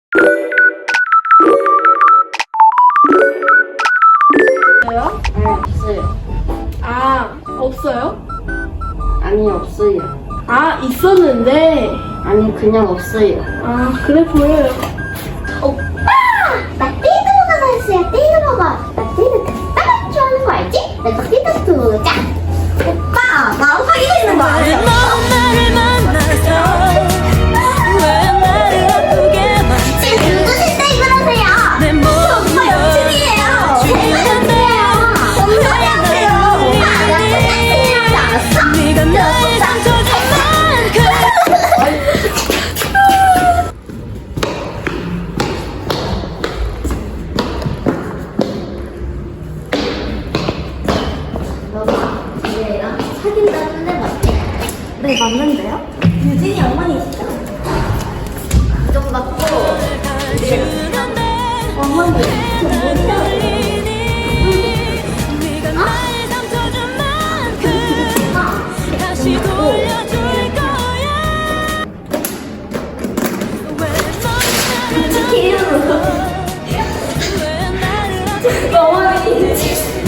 없어요? 네, 없어요. 아, 없어요? 아니, 없어요. 아, 있었는데. 아니, 그냥 없어요. 아, 그래 보여요. 오빠! 나 띠드버거 샀어요, 띠드버거. 나 띠드 딱 좋아하는 거 알지? 내가 띠드 두자. 오빠, 나랑 사귀고 있는 거 왜 아니야? 넌 나를 만나서 왜 나를 아프게 만지 지금 누구실 때 이러세요? 내 저 오빠 옆집이에요. 제가 옆집이에요. 뭔 소리 하세요? 오빠, 나 끝났으면 알았어? 네가 나의 상처준 만큼 너가 얘랑 사귄다는데 맞지? 네, 맞는데요? 유진이 어머니시죠? 이정 맞고 어머니 저 뭐예요? 네가 나의 상처준 만큼 다시 돌려줄 거야 왜 넌 나를 어머니